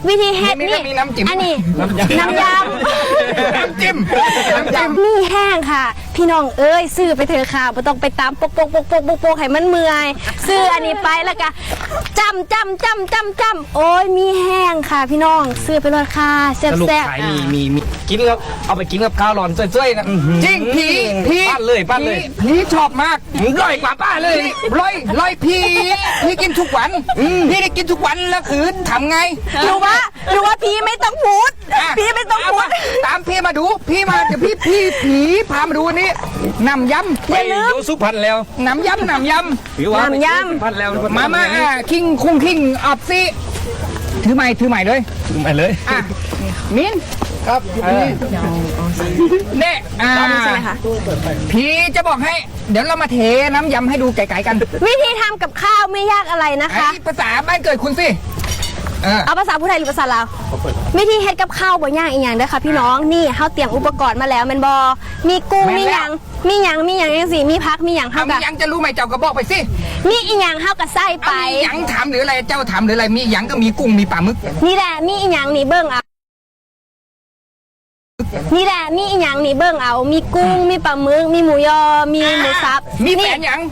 วิธีเฮ็ดนี่มีน้ำจิ้มอันนี้น้ำยำน้ำจิ้มน้ำจิ้มมีแห้งค่ะ พี่น้องเอ้ยซื้อไปเถอะค่ะไม่ต้องไปตามปกให้มันเมื่อยซื้ออันนี้ไปแล้วก็จำโอ้ยมีแห้งค่ะ พี่น้องซื้อไปเลยค่ะแซ่บสรุปแซ่บขายมีกินแล้วเอาไปกินกับข้าวร้อนเจ้ยๆนะจริงพี่ปั้นเลยพี่ชอบมากร่อยกว่าป้าเลยร้อยพี่กินทุกวันพี่ได้กินทุกวันแล้วคือทำไงหรือว่าพี่ไม่ต้องพูดอ่ะพี่ไม่ต้องพูดตามพี่มาดูพี่มาเดี๋ยวผีพามาดูอันนี้น้ำยำไปอยู่สุพรรณแล้วน้ำยำหรือว่าน้ำยำสุพรรณแล้วมาคิงคุ้งคิงอับซิถือใหม่เลยไปเลยอ่ะมิ้นครับเนี่ยใช่ไหมคะพี่จะบอกให้ เดี๋ยวเรามาเทน้ำยำให้ดูไกลๆกันวิธีทำกับข้าวไม่ยากอะไรนะคะไอ้ภาษาบ้านเกิดคุณสิเอาภาษาผู้ไทยหรือภาษาลาววิธีเฮ็ดกับข้าวบ่ยากอีกอย่างเด้อค่ะพี่น้องนี่เฮาเตรียมอุปกรณ์มาแล้วแม่นบ่มีกุ้งมีหยังจังซี่มีผักมีหยังเฮามีก็ยังจะรู้ไหมเจ้าก็บอกไปสิมีอีหยังเฮาก็ใส่ไปมียังถามหรืออะไรเจ้าถามหรืออะไรมียังก็มีกุ้งมีปลาหมึกนี่แหละมีอีหยังนี่เบิ่งเอานี่แหละมีอีหยังนี่เบิ่งเอามีกุ้งมีปลาหมึกมีหมูยอมีหมูสับมีแฟนยัง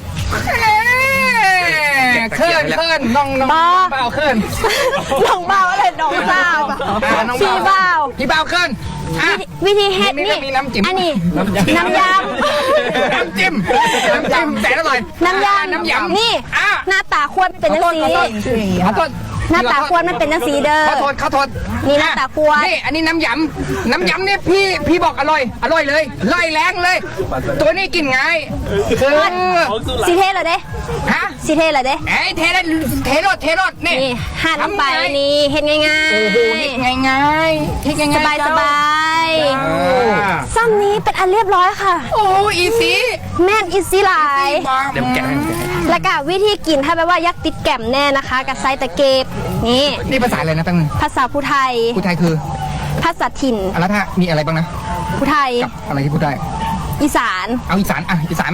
เคินน้องเบาเคินน้องเบาอะไรน้องเบาพี่เบาพี่เบาเคินวิธีเฮ็ดนี่นี่มีน้ำจิ้มอันนี้น้ำยำน้ำจิ้มแต่อร่อยน้ำยำนี่หน้าตาควรเป็นจังสีขอโทษหน้าตาควรมันเป็นจังสีเด้อขอโทษนี่หน้าตาควรนี่อันนี้น้ำยำเนี่ยพี่บอกอร่อยเลยร่อยแรงเลย ตัวนี้กินง่ายคือสีเทเลยเด้ฮะสีเทเลยเด้ไอ้เทรสนี่นี่หั่นลงไปนี่เฮ็ดง่ายโอ้โหง่ายสบายซ้ำนี้เป็นอันเรียบร้อยค่ะโอ้อีสีแม่นอีซี่หลายเดี๋ยวแกะแล้วก็วิธีกินถ้าแปลว่ายักษ์ติดแก่มแน่นะคะกับไซตะเก็บนี่นี่ภาษาอะไรนะตั้งภาษาผู้ไทยผู้ไทยคือภาษาถิ่นแล้วถ้ามีอะไรบ้างนะผู้ไทยกับอะไรที่พูดได้อีสานเอาอีสานอีสานมา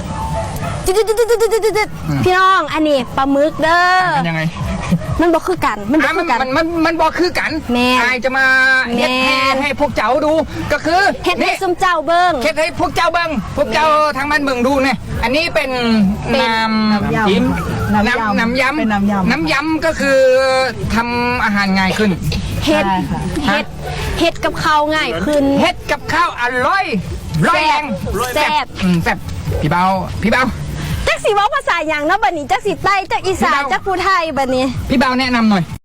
พี่น้องอันนี้ปลาหมึกเด้อมันยังไงมันบอกคือกันมันบอกคือกันมันบอกคือกันแม่อายจะมาเฮ็ดแม่ให้พวกเจ้าดูก็คือเฮ็ดให้ซุมเจ้าเบิ้งเฮ็ดให้พวกเจ้าเบิ้งพวกเจ้าทางบ้านเบิ้งดูเนี่ยอันนี้เป็นน้ำจิ้มน้ำยำเป็นน้ำยำน้ำยำก็คือทำอาหารง่ายขึ้นเฮ็ดใช่ค่ะเฮ็ดกับข้าวง่ายขึ้นเฮ็ดกับข้าวอร่อยร้อยแรงแซ่บแซ่บพี่เบาจักสิเว้าภาษาหยังเนาะบัดนี้จักสิใต้จักอีสานพี่เบาจักผู้ไทยบัดนี้พี่เบาแนะนำหน่อย